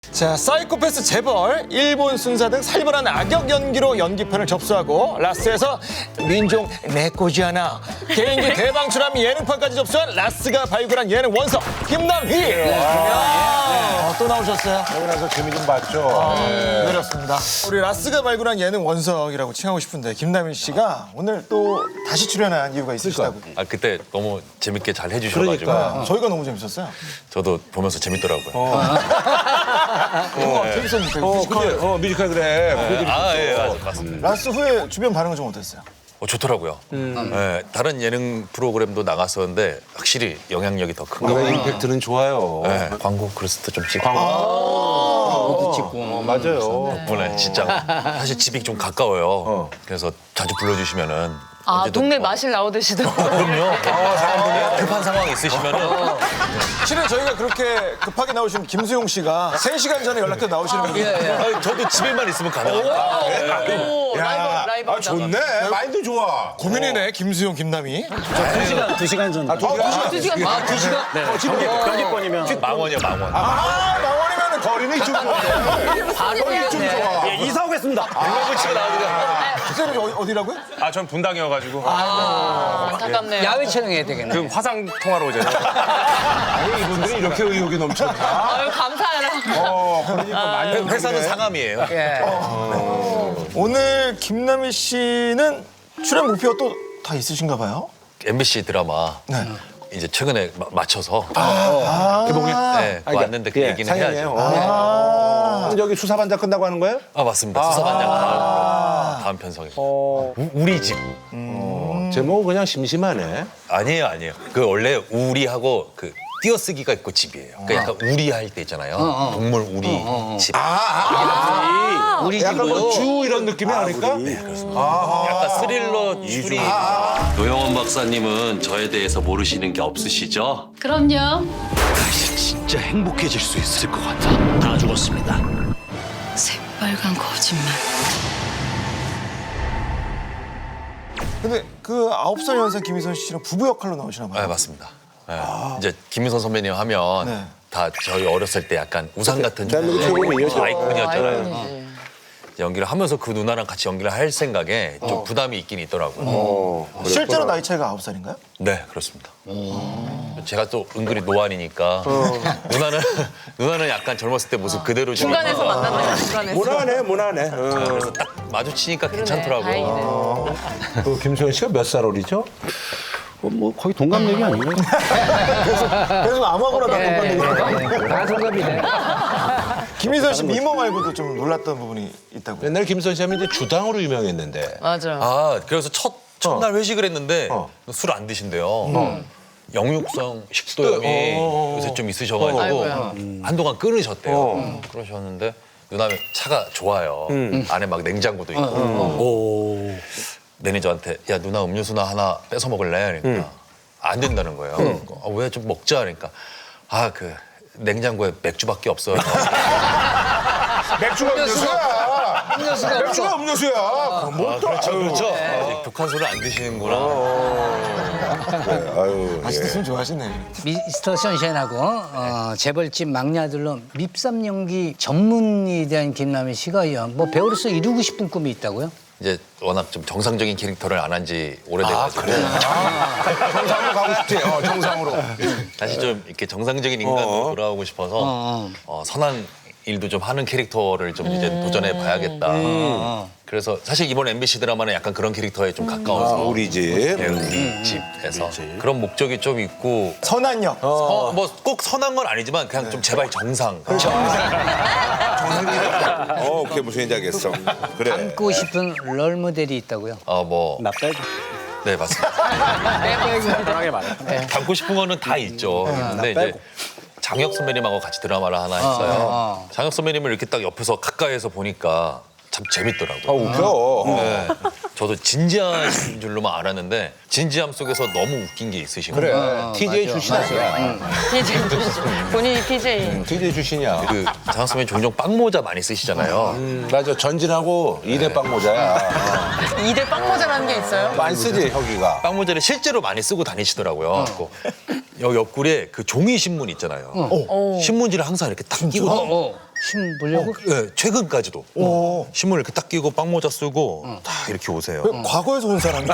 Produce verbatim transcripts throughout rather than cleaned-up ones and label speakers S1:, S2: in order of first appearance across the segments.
S1: 자, 사이코패스 재벌, 일본 순사 등 살벌한 악역 연기로 연기편을 접수하고 라스에서 민종 내꼬지하나 개인기 대방출함 예능판까지 접수한 라스가 발굴한 예능 원석 김남희. 네. 또 나오셨어요?
S2: 여기 나서 재미 좀 봤죠. 네.
S1: 그렇습니다. 우리 라스가 발굴한 예능 원석이라고 칭하고 싶은데 김남희 씨가 오늘 또 다시 출연한 이유가 있으시다고.
S3: 아 그때 너무 재밌게 잘 해주셔가지고
S2: 그러니까.
S1: 저희가 너무 재밌었어요.
S3: 저도 보면서 재밌더라고요.
S1: 어, 재밌었는데.
S2: 어,
S1: 뮤지컬.
S2: 근데, 어, 뮤지컬 그래. 보여드리고
S3: 아
S2: 또.
S3: 예 맞- 맞습니다.
S1: 라스 후에 주변 반응은 좀 어땠어요?
S3: 어, 좋더라고요. 예, 다른 예능 프로그램도 나갔었는데 확실히 영향력이 더 큰 것
S2: 우리가
S3: 같아요.
S2: 임팩트는 좋아요.
S3: 예, 광고 그리스도 좀 찍고
S2: 어, 어, 맞아요.
S3: 덕분에 진짜 사실 집이 좀 가까워요. 그래서 자주 불러주시면은
S4: 아,
S3: 언제든
S4: 동네
S3: 뭐-
S4: 마실 나오듯이더라고요.
S3: 그럼요. 급한 상황 있으시면은
S1: 실은 저희가 그렇게 급하게 나오신 김수용 씨가 세 시간 전에 연락해 나오시는 분이
S3: 아니, 저도 집에만 있으면 가능합니다.
S4: 오, 라이브, 라이브.
S2: 아, 좋네. 마인드 좋아.
S1: 고민이네, 김수용, 김남희.
S5: 두 시간 전.
S2: 아, 두 시간.
S4: 두 시간. 아, 두 시간?
S5: 네. 경기권이면.
S3: 망원이야 망원.
S1: 아, 망원이면
S2: 거리는 좀 좋네. 거리는 좀 좋아.
S5: 예, 이사 오겠습니다.
S3: 물건 치고 나오는
S1: 주세는 어디라고요?
S6: 아, 전 분당이어가지고
S4: 안타깝네요.
S7: 야외 촬영해야 되겠네.
S6: 그 화상 통화로 오잖아요.
S2: 아니, 이분들이 이렇게 의욕이 넘쳐나.
S4: 아유, 감사해라.
S2: 어, 그러니까 많이
S3: 회사는 상암이에요.
S7: 예.
S1: 오늘 김남희 씨는 출연 목표가 또 다 있으신가 봐요?
S3: 엠비씨 드라마
S1: 네.
S3: 이제 최근에 마- 맞춰서
S1: 개봉이?
S3: 네, 왔는데 그 얘기는
S2: 상영이에요.
S3: 해야죠.
S2: 어. 그럼 여기 수사반장 끝나고 하는 거예요?
S3: 아 맞습니다. 수사반장 다음, 다음 편성에.
S2: 어.
S3: 우- 우리 집.
S2: 제목은 그냥 심심하네.
S3: 아니에요, 아니에요. 그 원래 우리하고 그 띄어쓰기가 있고 집이에요. 그러니까 약간 우리할 때 있잖아요. 동물 우리 집.
S7: 우리
S2: 약간
S7: 집으로.
S2: 뭐 주 이런 느낌이 아닐까?
S3: 약간 스릴러 추리.
S8: 노영원 박사님은 저에 대해서 모르시는 게 없으시죠?
S4: 그럼요.
S8: 다시 진짜 행복해질 수 있을 것 같아. 다 죽었습니다.
S4: 새빨간 거짓말.
S1: 근데 그 아홉 살 연상 김희선 씨랑 부부 역할로 나오시나 봐요.
S3: 네, 맞습니다. 네. 이제 김윤선 선배님 하면
S1: 네.
S3: 다 저희 어렸을 때 약간 우상 같은
S2: 대한민국 최고음이에요.
S3: 아이콘이었잖아요.
S4: 아이콘이지.
S3: 연기를 하면서 그 누나랑 같이 연기를 할 생각에 좀 부담이 있긴 있더라고요.
S2: 어,
S1: 실제로 나이 차이가 아홉 살인가요?
S3: 네, 그렇습니다. 제가 또 은근히 노안이니까 누나는 누나는 약간 젊었을 때 모습 그대로 지금
S4: 중간에서 만났네요, 중간에서.
S2: 모나네, 모나네. 어.
S3: 그래서 딱 마주치니까 괜찮더라고요.
S4: 다행이네.
S2: 그 김소연 씨가 몇 살 어리죠?
S5: 뭐 거의 동갑내기 아닌가요?
S1: 계속 아무거나 다 동갑내기.
S7: 다 동갑이네.
S1: 김희선 씨 미모 말고도 좀 놀랐던 부분이 있다고요?
S2: 옛날 김소연 씨 하면 이제 주당으로 유명했는데.
S4: 맞아.
S3: 아, 그래서 첫 첫날 회식을 했는데
S2: 어.
S3: 술 안 드신대요. 영육성 식도염이
S2: 어.
S3: 요새 좀 있으셔가지고
S4: 아이고야.
S3: 한동안 끊으셨대요.
S2: 어.
S3: 그러셨는데 누나는 차가 좋아요. 안에 막 냉장고도 있고. 오. 매니저한테 야 누나 음료수나 하나 뺏어 먹을래? 그러니까 안 된다는 거예요. 아, 왜 좀 먹자? 그러니까 아 그 냉장고에 맥주밖에 없어요.
S2: 맥주가 음료수야.
S7: 음료수가
S2: 맥주가
S7: 없어.
S2: 음료수야. 뭐 또,
S3: 그렇죠,
S2: 아유.
S3: 그렇죠. 아직 독한 술을 안 드시는구나.
S2: 그래, 아유.
S1: 아직도 술 좋아하시네.
S7: 미스터 선샤인하고 어, 재벌집 막내 아들로 밉삼 연기 전문에 대한 김남희 씨가 뭐 배우로서 이루고 싶은 꿈이 있다고요?
S3: 이제 워낙 좀 정상적인 캐릭터를 안 한 지 오래돼가지고
S2: 정상으로 가고 싶지. 어, 정상으로.
S3: 다시 좀 이렇게 정상적인 인간으로
S2: 어.
S3: 돌아오고 싶어서
S7: 어.
S3: 어, 선한 일도 좀 하는 캐릭터를 좀 이제 도전해 봐야겠다. 그래서 사실 이번 엠비씨 드라마는 약간 그런 캐릭터에 좀 가까워서
S2: 아, 우리 집.
S3: 네, 우리 집에서 그런 목적이 좀 있고
S1: 선한 역.
S3: 어, 뭐 꼭 선한 건 아니지만 그냥 좀 제발 정상.
S2: 어, 그게 무슨 얘기인지 알겠어. 그래.
S7: 닮고 싶은 롤 모델이 있다고요?
S3: 어, 뭐,
S5: 나 빼고.
S3: 네, 맞습니다.
S5: 편하게 말해.
S3: 닮고 싶은 거는 다 있죠. 근데 이제 장혁 선배님하고 같이 드라마를 하나 했어요.
S7: 어.
S3: 장혁 선배님을 이렇게 딱 옆에서 가까이에서 보니까 참
S2: 아,
S3: 재밌더라고요.
S2: 웃겨.
S3: 네. 저도 진지하신 줄로만 알았는데 진지함 속에서 너무 웃긴 게 있으신
S2: 그래.
S3: 거예요.
S2: 티제이 출신 아니야.
S4: 피제이 출신. 본인이 피제이.
S2: 티제이 출신이야.
S3: 그 장혁 선배님 종종 빵모자 많이 쓰시잖아요.
S2: 음, 맞아. 전진하고 이대 빵 모자야.
S4: 이 대 빵모자라는 게 있어요?
S2: 많이 쓰지, 혁이가.
S3: 빵모자를 실제로 많이 쓰고 다니시더라고요. 그 여기 옆구리에 그 종이 신문 있잖아요. 신문지를 항상 이렇게 딱 끼고
S7: 어, 어. 심 보려고?
S3: 네, 최근까지도 신문 이렇게 딱 끼고 빵모자 쓰고 다 이렇게 오세요.
S1: 과거에서 온 사람이야.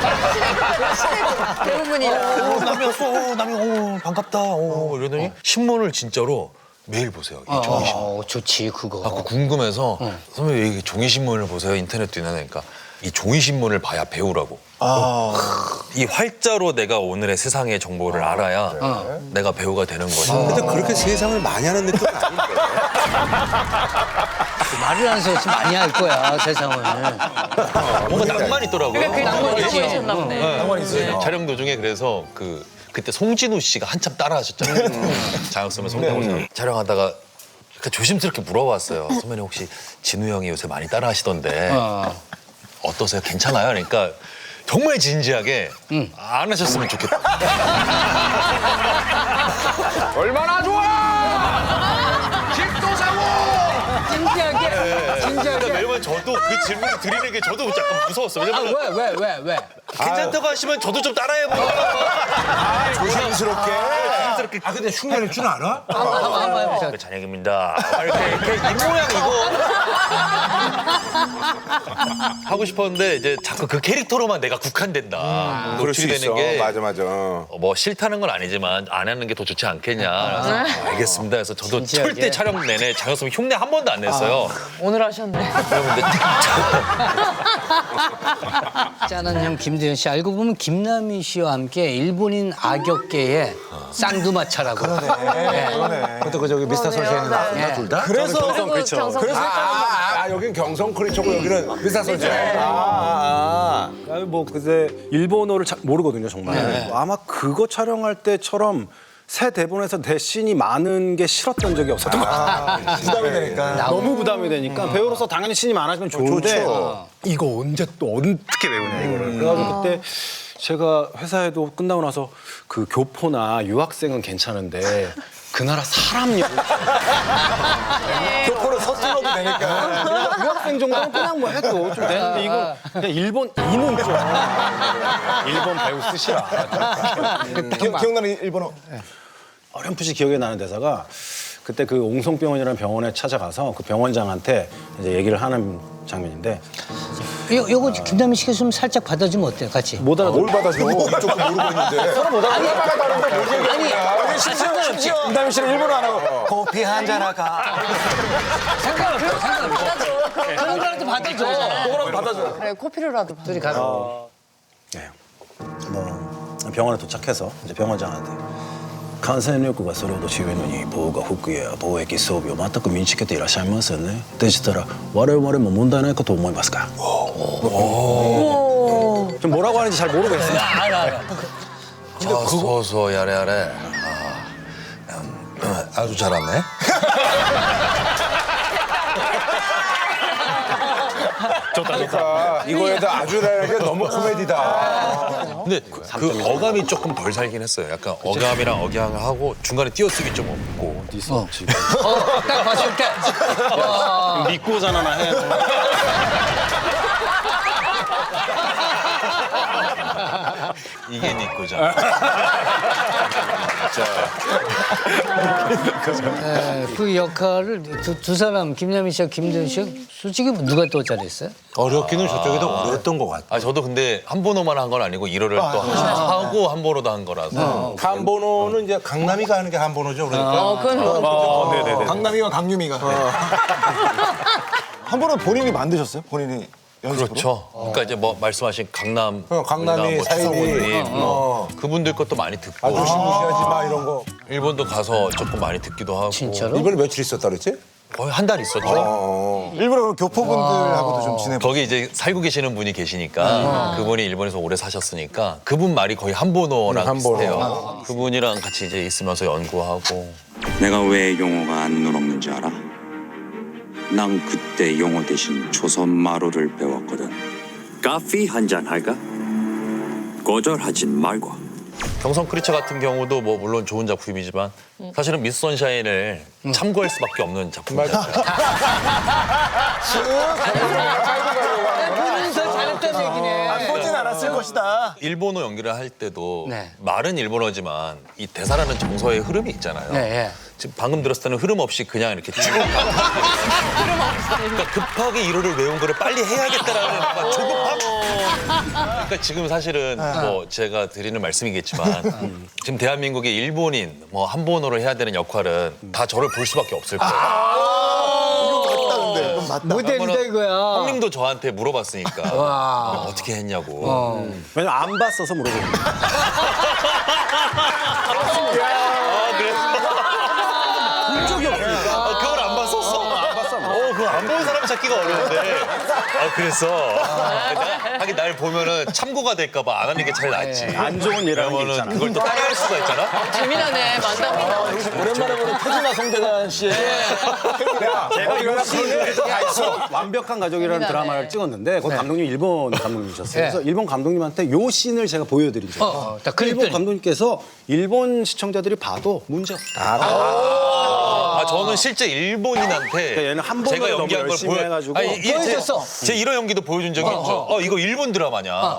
S4: 대부분이라.
S3: 오, 남이 왔어. 오, 남이 오, 반갑다. 오, 이러더니 신문을 진짜로 매일 보세요. 이 종이 신문.
S7: 어, 좋지 그거.
S3: 아, 그 궁금해서 선배님 왜 이 종이 신문을 보세요? 인터넷도 있나 하니까 이 종이 신문을 봐야 배우라고. 이 활자로 내가 오늘의 세상의 정보를 알아야 내가 배우가 되는 거지.
S2: 근데 그렇게 세상을 많이 하는 느낌은 아닌데.
S7: 말을 안 써서 많이 할 거야 세상을.
S3: 뭔가 낭만 있더라고요.
S4: 그러니까 그 낭만이
S7: 있지.
S4: 있으셨나 보네.
S1: 낭만 있어요.
S3: 촬영 도중에 그래서 그 그때 송진우 씨가 한참 따라하셨잖아요. 장혁 선배, 송진우 씨 촬영하다가 그러니까 조심스럽게 물어봤어요. 선배님 혹시 진우 형이 요새 많이 따라하시던데
S7: 어.
S3: 어떠세요? 괜찮아요? 그러니까 정말 진지하게 안 하셨으면 좋겠다.
S6: 얼마나 좋아!
S7: 진지하게.
S3: 그러니까
S7: 진지하게.
S3: 매번 저도 그 질문을 드리는 게 저도 약간 무서웠어요. 왜냐면
S7: 왜 왜 왜 왜?
S3: 괜찮다고 하시면 저도 좀 따라해보고
S2: 조심스럽게.
S3: 조심스럽게
S2: 아 근데 흉내낼 줄 알아?
S7: 한번 한번 해보자.
S3: 그 잔혁입니다. 이렇게, 이렇게 입 모양 이거 하고 싶었는데 이제 자꾸 그 캐릭터로만 내가 국한된다.
S2: 그럴 수
S3: 노출이
S2: 있어.
S3: 되는 게
S2: 맞아 맞아.
S3: 어, 뭐 싫다는 건 아니지만 안 하는 게 더 좋지 않겠냐. 그래서 알겠습니다. 그래서 저도
S7: 진지하게.
S3: 절대 촬영 내내 장혁 선배 흉내 한 번도 안 냈어요.
S4: 오늘 하셨네.
S3: 여러분들
S7: 짠한 형 김대현 씨 알고 보면 김남희 씨와 함께 일본인 악역계의 쌍두마차라고.
S1: 그러네.
S2: 근데 그 저기 미스터 선샤인은 나왔나 둘 다?
S1: 그래서
S4: 그리고 정성
S1: 그래서
S2: 아, 아 여긴 경성 크리처고 여기는 미스터 선샤인.
S1: 아,
S5: 아니, 뭐 그때 일본어를 잘 모르거든요 정말. 아마 그거 촬영할 때처럼 새 대본에서 내 씬이 많은 게 싫었던 적이 없었던 것 같아요.
S1: 부담이 되니까.
S5: 너무 부담이 되니까 배우로서 당연히 씬이 많아지면 좋은데
S2: 좋죠.
S5: 이거 언제 또 어떻게 배우냐 이거를. 그래가지고 그때 제가 회사에도 끝나고 나서 그 교포나 유학생은 괜찮은데 그 나라 사람 역
S1: 교포를 서툴러도 되니까.
S5: 유학생 정도는 그냥 뭐 해도 좀 되는데 이거 그냥 일본 이는 좀 일본 배우 쓰시라.
S1: 기, 기억나는 일본어.
S5: 어렴풋이 기억에 나는 대사가 그때 그 옹성병원이라는 병원에 찾아가서 그 병원장한테 이제 얘기를 하는 장면인데
S7: 요 요거 김남희 씨가 좀 살짝 받아주면 어때요, 같이?
S5: 못 알아듣.
S2: 뭘 받아줘? 이쪽도 모르고 있는데. 서로 못 알아듣는데.
S7: 아니
S1: 심지어 심지어 김다미 씨는 일본어 안 하고 커피 한잔 할까.
S7: 상관없어, 상관없어. 그런 거라도 받아줘.
S1: 뭐라고 받아줘.
S4: 그래, 코피로라도.
S7: 둘이 가서.
S5: 네. 뭐 병원에 도착해서 이제 병원장한테 感染力がそれほど強いのに防護服や防疫装備を全く身につけていらっしゃいませんね。でしたら我々も問題ないかと思いますか。좀 뭐라고 하는지 잘 모르겠어요.
S7: 알아, 알아.
S3: 소소 야래 야래. 아, 음, 아주 잘하네.
S2: 그러니까 이거에도 아주라는 게 너무 코미디다.
S3: 근데 그 어감이 조금 덜 살긴 했어요. 약간 어감이랑 억양을 하고 중간에 띄어쓰기 좀 없고.
S5: 있어 지금.
S7: 어, 딱 봤을 때. 와.
S5: 믿고 자나나 해.
S3: 이게 네 거잖아.
S7: 네, 그 역할을 두, 두 사람 김남희 씨와 김대현 씨가 솔직히 누가 더 잘했어요?
S2: 어렵기는 저쪽이 더 어려웠던 것 같아.
S3: 아 저도 근데 한 번호만 한 건 아니고 일호를 또 하고 한 번호도 한 거라서.
S2: 한번호는 이제 강남이가 하는 게 한번호죠. 그러니까.
S4: 어, 그건 뭐.
S5: 네네네.
S1: 강남이와 강유미가. 한 번은 본인이 만드셨어요? 본인이 연습으로?
S3: 그렇죠. 그러니까 이제 뭐 말씀하신 강남,
S2: 어, 강남이,
S3: 뭐
S2: 사이비.
S3: 추성훈님,
S2: 어.
S3: 그분들 것도 많이 듣고
S2: 아주 무시하지 마 이런 거.
S3: 일본도 가서 조금 많이 듣기도 하고.
S7: 진짜로?
S2: 이번에 며칠 있었다 그랬지?
S3: 거의 한 달 있었죠.
S2: 어.
S1: 일부러 교포분들하고도 좀 지내.
S3: 거기 이제 살고 계시는 분이 계시니까 그분이 일본에서 오래 사셨으니까 그분 말이 거의 한본어랑
S2: 음, 한본어.
S3: 비슷해요. 그분이랑 같이 이제 있으면서 연구하고.
S9: 내가 왜 영어가 안 늘었는지 알아? 난 그때 영어 대신 조선 말어를 배웠거든. 커피 한잔 할까? 거절하진 말고.
S3: 경성 크리처 같은 경우도 뭐 물론 좋은 작품이지만 사실은 미스 선샤인을 참고할 수밖에 없는 작품이죠.
S7: 보면서 잘했다는 얘기네.
S1: 보진 않았을 것이다. 것이다.
S3: 일본어 연기를 할 때도
S7: 네.
S3: 말은 일본어지만 이 대사라는 정서의 흐름이 있잖아요.
S7: 네, 예.
S3: 지금 방금 들었을 때는 흐름 없이 그냥 이렇게 쭉 그러니까 급하게 일어를 외운 거를 빨리 해야겠다라는 막 조급함. 그러니까 지금 사실은 뭐 제가 드리는 말씀이겠지만 지금 대한민국의 일본인 뭐 한본어를 해야 되는 역할은 다 저를 볼 수밖에 없을 거예요.
S7: 모델이다 이거야.
S3: 형님도 저한테 물어봤으니까 어, 어떻게 했냐고.
S5: 왜냐면 안 봤어서 물어보는 거야.
S3: 아, 그래서
S5: 본 적이 없으니까.
S3: 아, 그걸 안 봤었어? 안 봤어. 어, 그거 안 본 사람 찾기가 어려운데. 아, 그랬어. 나- 하긴 날 보면은 참고가 될까봐 안 하는 게 제일 낫지.
S5: 안 좋은 예라는 게
S3: 왜냐면은
S5: 있잖아.
S3: 그걸 또 따라할 수가 있잖아.
S4: 재미나네, 만담이.
S1: 오랜만에 보는 태진아 송대관 씨의
S5: 제가 요 씬을 다 있어. 완벽한 가족이라는 드라마를 찍었는데 그 감독님 일본 감독님이셨어요.
S7: 네.
S5: 그래서 일본 감독님한테 요 씬을 제가 보여드린 적이에요.
S7: 어, 딱
S5: 일본
S7: 그랬더니.
S5: 감독님께서 일본 시청자들이 봐도 문제 없다.
S3: 아, 저는 실제 일본인한테
S5: 그러니까 얘는 한 번을
S3: 제가
S5: 너무
S3: 연기한 걸
S5: 열심히
S3: 보여
S5: 해가지고
S3: 아니, 이게
S7: 보여줬어.
S3: 제, 제 이런 연기도 보여준 적이 있죠. 어, 이거 일본 드라마냐. 아,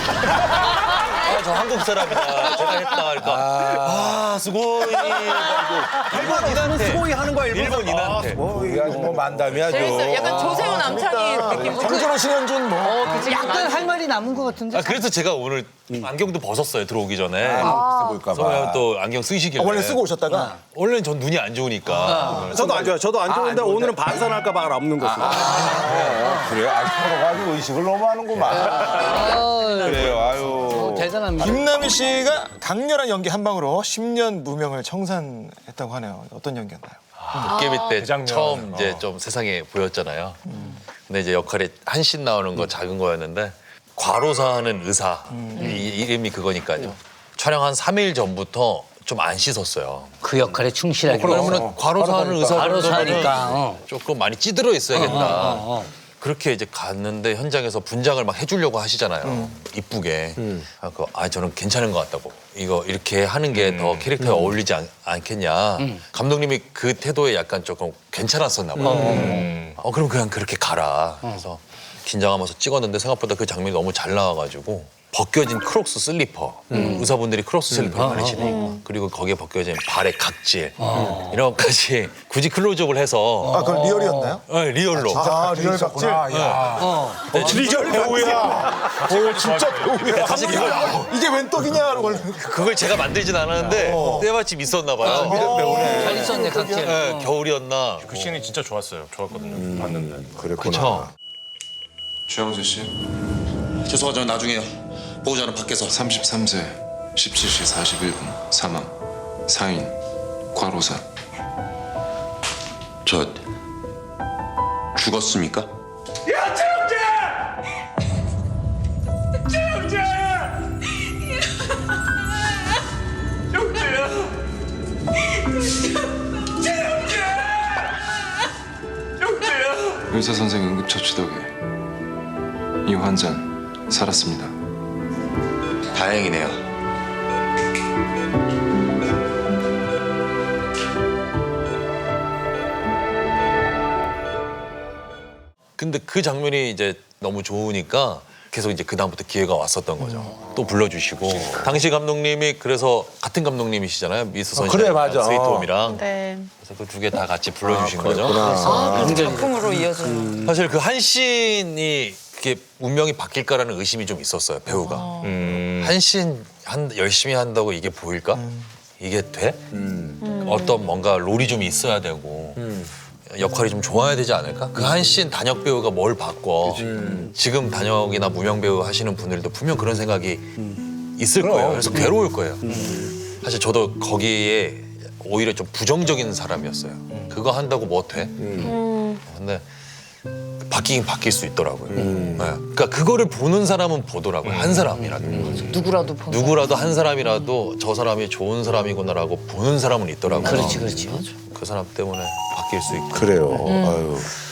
S3: 저 한국 사람이다. 제가 했다. 그러니까 아, 수고이. 일본인한테.
S5: 스고이 하는 거야 일본
S3: 일본인한테.
S2: 우리가 뭐 만담이야,
S4: 재밌어요. 약간 조세호 남창희 느낌.
S1: 정준호 신현준 뭐.
S4: 어, 그치.
S7: 약간 할 말이 남은 것 같은데.
S3: 아, 그래서 제가 오늘 안경도 벗었어요, 들어오기 전에.
S2: 아, 볼까
S3: 그래서
S2: 봐.
S3: 또 안경 쓰시길래.
S1: 아, 원래 쓰고 오셨다가
S3: 원래는 전 눈이 안 좋으니까.
S5: 저도 안 좋아요. 저도 안 좋은데 오늘은 반산할까 봐 없는 거죠.
S2: 그래요? 아, 서로 가지고 의식을 너무 하는구만. 그래요, 아유.
S7: 대단합니다.
S1: 김남희 씨가 강렬한 연기 한 방으로 십 년 무명을 청산했다고 하네요. 어떤 연기였나요?
S3: 도깨비 때 처음 이제 좀 세상에 보였잖아요. 근데 이제 역할이 한씬 나오는 거 작은 거였는데 과로사하는 의사 이, 이름이 그거니까요. 촬영 한 삼 일 전부터 좀 안 씻었어요.
S7: 그 역할에 충실하게.
S3: 그러면 과로사하는 의사
S7: 과로사니까, 어.
S3: 조금 많이 찌들어 있어야겠다. 그렇게 이제 갔는데 현장에서 분장을 막 해주려고 하시잖아요. 이쁘게. 아, 그, 아, 저는 괜찮은 것 같다고. 이거 이렇게 하는 게 더 캐릭터에 어울리지 않, 않겠냐. 감독님이 그 태도에 약간 조금 괜찮았었나 봐요. 어, 그럼 그냥 그렇게 가라. 그래서 긴장하면서 찍었는데 생각보다 그 장면이 너무 잘 나와가지고 벗겨진 크록스 슬리퍼. 의사분들이 크록스 슬리퍼를 많이 신으니까. 그리고 거기에 벗겨진 발의 각질. 이런 것까지 굳이 클로즈업을 해서
S1: 아, 그건 리얼이었나요?
S3: 네, 리얼로.
S1: 아, 리얼 각질.
S3: 네,
S1: 리얼 배우야. 오, 진짜 배우야.
S3: 사실 그걸,
S1: 이게 웬 떡이냐? 그걸.
S3: 그걸 제가 만들진 않았는데 때마침 있었나 봐요.
S7: 잘 있었네, 각질.
S3: 네, 겨울이었나.
S6: 그 씬이 진짜 좋았어요. 좋았거든요. 봤는데.
S2: 그랬구나.
S3: 그쵸.
S10: 최영재 씨,
S3: 죄송하지만 나중에 보호자는 밖에서.
S10: 삼십삼 세, 십칠 시 사십일 분, 사망, 사인, 과로사.
S9: 저 죽었습니까?
S10: 의사 선생 응급처치 덕에 이 환자는 살았습니다.
S9: 다행이네요.
S3: 근데 그 장면이 이제 너무 좋으니까 계속 이제 그다음부터 기회가 왔었던 거죠. 또 불러주시고. 당시 감독님이 그래서 같은 감독님이시잖아요. 미스 선샤인.
S2: 그래, 맞아.
S3: 스위트홈이랑.
S4: 네.
S3: 그래서 그 두 개 다 같이 불러주신 거죠.
S4: 아, 그럼 작품으로 이어져요.
S3: 사실 그 한씬이 그게 운명이 바뀔까라는 의심이 좀 있었어요, 배우가. 한씬 한, 열심히 한다고 이게 보일까? 이게 돼? 어떤 뭔가 롤이 좀 있어야 되고 역할이 좀 좋아야 되지 않을까? 그 한씬 단역 배우가 뭘 바꿔. 지금 단역이나 무명 배우 하시는 분들도 분명 그런 생각이 있을 거예요. 그래서 괴로울 거예요. 사실 저도 거기에 오히려 좀 부정적인 사람이었어요. 그거 한다고 뭐 돼? 근데 바뀌긴 바뀔 수 있더라고요. 네. 그러니까 그거를 보는 사람은 보더라고요. 한 사람이라도.
S4: 누구라도 보는.
S3: 누구라도 한 사람이라도 저 사람이 좋은 사람이구나라고 보는 사람은 있더라고요.
S7: 그렇지, 그렇지.
S3: 그 사람 때문에 바뀔 수 있고.
S2: 그래요. 아유.